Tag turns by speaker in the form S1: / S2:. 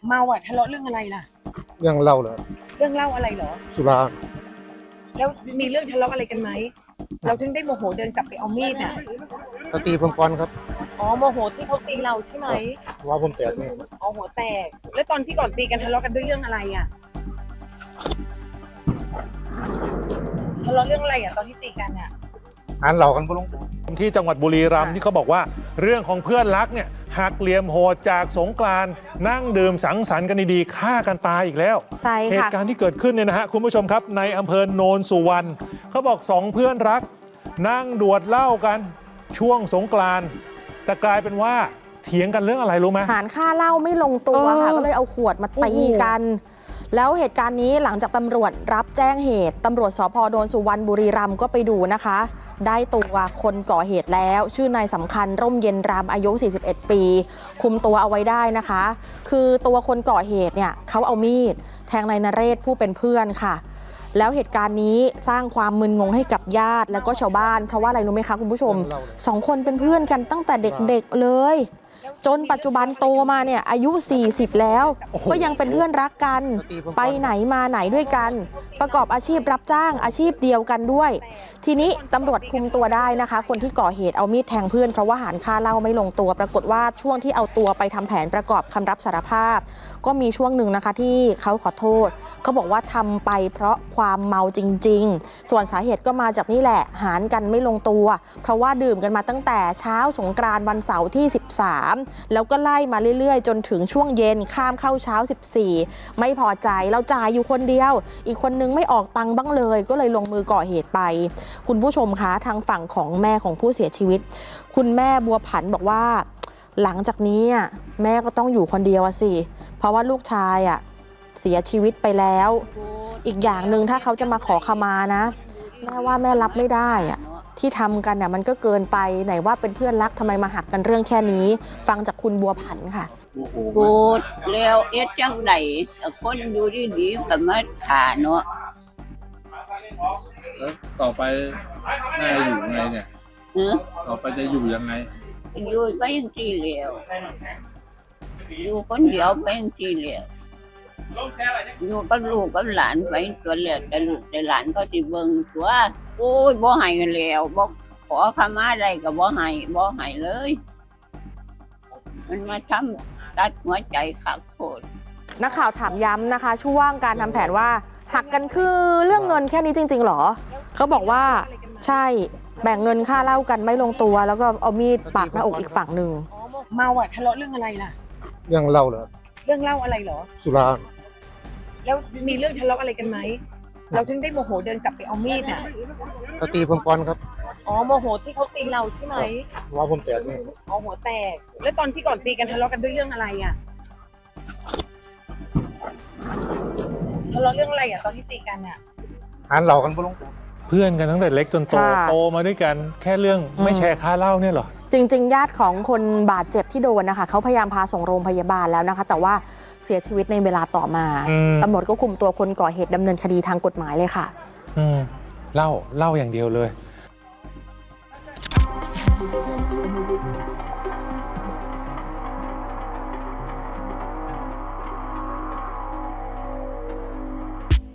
S1: เมาอ่ะทะเลาะเรื่องอะไรล่ะ
S2: เรื่องเล่าเหรอ
S1: เรื่องเล่าอะไรเหรอ
S2: สุรา
S1: แล้วมีเรื่องทะเลาะอะไรกันไหมเราถึงได้โมโหเดินกลับไปเอามีดน่ะ
S2: เขาตีผมก่อนครับ
S1: อ๋อโมโหที่เขาตีเราใช่ไหม
S2: ว่าผมแตกนี่
S1: อ๋อหัวแตกแล้วตอนที่ก่อนตีกันทะเลาะกันด้วยเรื่องอะไรอ่ะทะเลาะเรื่องอะไรอ่ะตอนที่ตีกันอ่ะ
S2: อ่านเหล่ากันบ่ลงตัว
S3: ที่จังหวัดบุรีรัมย์ที่เขาบอกว่าเรื่องของเพื่อนรักเนี่ยหักเหลี่ยมโหดจากสงกรานต์นั่งดื่มสังสรรค์กันดีๆฆ่ากันตายอีกแล้ว
S4: ใช่ค่ะ
S3: เหตุการณ์ที่เกิดขึ้นเนี่ยนะฮะคุณผู้ชมครับในอำเภอโนนสุวรรณเขาบอกสองเพื่อนรักนั่งดวดเหล้ากันช่วงสงกรานต์แต่กลายเป็นว่าเถียงกันเรื่องอะไรรู้ไหม
S4: หารค่าเหล้าไม่ลงตัวค่ะก็เลยเอาขวดมาตีกันแล้วเหตุการณ์นี้หลังจากตำรวจรับแจ้งเหตุตำรวจสภ.โนนสุวรรณบุรีรัมย์ก็ไปดูนะคะได้ตัวคนก่อเหตุแล้วชื่อนายสำคัญร่มเย็นรามอายุ41ปีคุมตัวเอาไว้ได้นะคะคือตัวคนก่อเหตุเนี่ยเขาเอามีดแทงนายนเรศผู้เป็นเพื่อนค่ะแล้วเหตุการณ์นี้สร้างความมึนงงให้กับญาติแล้วก็ชาวบ้านเพราะว่าอะไรรู้ไหมคะคุณผู้ชม2 คนเป็นเพื่อนกันตั้งแต่เด็กๆเลยจนปัจจุบันโตมาเนี่ยอายุ40แล้วก็ยังเป็นเพื่อนรักกันไปไหนมาไหนด้วยกันประกอบอาชีพรับจ้างอาชีพเดียวกันด้วยทีนี้ตำรวจคุมตัวได้นะคะคนที่ก่อเหตุเอามีดแทงเพื่อนเพราะว่าหารค่าเหล้าไม่ลงตัวปรากฏว่าช่วงที่เอาตัวไปทำแผนประกอบคำรับสารภาพก็มีช่วงหนึ่งนะคะที่เขาขอโทษเขาบอกว่าทำไปเพราะความเมาจริงๆส่วนสาเหตุก็มาจากนี่แหละหารกันไม่ลงตัวเพราะว่าดื่มกันมาตั้งแต่เช้าสงกรานต์วันเสาร์ที่13แล้วก็ไล่มาเรื่อยๆจนถึงช่วงเย็นข้ามเข้าเช้า14ไม่พอใจเราจ่ายอยู่คนเดียวอีกคนนึงไม่ออกตังค์บ้างเลยก็เลยลงมือก่อเหตุไปคุณผู้ชมคะทางฝั่งของแม่ของผู้เสียชีวิตคุณแม่บัวผันบอกว่าหลังจากนี้แม่ก็ต้องอยู่คนเดียวสิเพราะว่าลูกชายเสียชีวิตไปแล้วอีกอย่างหนึ่งถ้าเขาจะมาขอขมานะแม่ว่าแม่รับไม่ได้ที่ทำกันมันก็เกินไปไหนว่าเป็นเพื่อนรักทำไมมาหักกันเรื่องแค่นี้ฟังจากคุณบัวผันค่ะ
S5: พูดแล้วเอ็ดจังไดคนอยู่ดีๆก็มาขาเนาะ
S6: แล้วต่อไปแม่อยู่ไงเนี่ยต่อไปจะอยู่ยังไง
S5: อยู่ไปยังที่เหลวอยู่คนเดียวไปยังที่เหลวอยู่กับลูกกับหลานไปตัวเหลวแต่ลูกแต่หลานเขาที่เบิ่งตัวโอ้ยบ่ให้กันแล้วบ่ขอขมาได้ก็บ่ให้เลยมันมาทำตัดหัวใจขาดโคตร
S4: นักข่าวถามย้ำนะคะช่วงการทำแผนว่าหักกันคือเรื่องเงินแค่นี้จริงๆหรอเขาบอกว่าใช่แบ่งเงินค่าเหล้ากันไม่ลงตัวแล้วก็เอามีดปักหน้าอกอีกฝั่งหนึ่ง
S1: เมาอ่ะทะเลาะเรื่องอะไรล่ะ
S2: เรื่องเล่าเหรอ
S1: เรื่องเล่าอะไรเหรอ
S2: สุรา
S1: แล้วมีเรื่องทะเลาะอะไรกันไหมเราถึงได้โมโหเดินกลับไปเอามีดน่ะ
S2: เขาตีผมก่อนครับ
S1: อ๋อโมโหที่เขาตีเราใช่ไหม
S2: ว่าผมแตกนี่
S1: อ๋อหัวแตกแล้วตอนที่ก่อนตีกันทะเลาะกันด้วยเรื่องอะไรอ่ะทะเลาะเรื่องอะไรอ่ะตอนที่ตีกันอ่ะ
S2: อ่านเหล่ากันบ่ลงตัว
S3: เพื่อนกันตั้งแต่เล็กจนโตมาด้วยกันแค่เรื่องไม่แชร์ค่าเหล้าเนี่ยหรอ
S4: จริงๆญาติของคนบาดเจ็บที่โดนนะคะเขาพยายามพาส่งโรงพยาบาลแล้วนะคะแต่ว่าเสียชีวิตในเวลาต่อมาตำรวจก็คุมตัวคนก่อเหตุดำเนินคดีทางกฎหมายเลยค่ะ
S3: เล่าอย่างเดียวเลย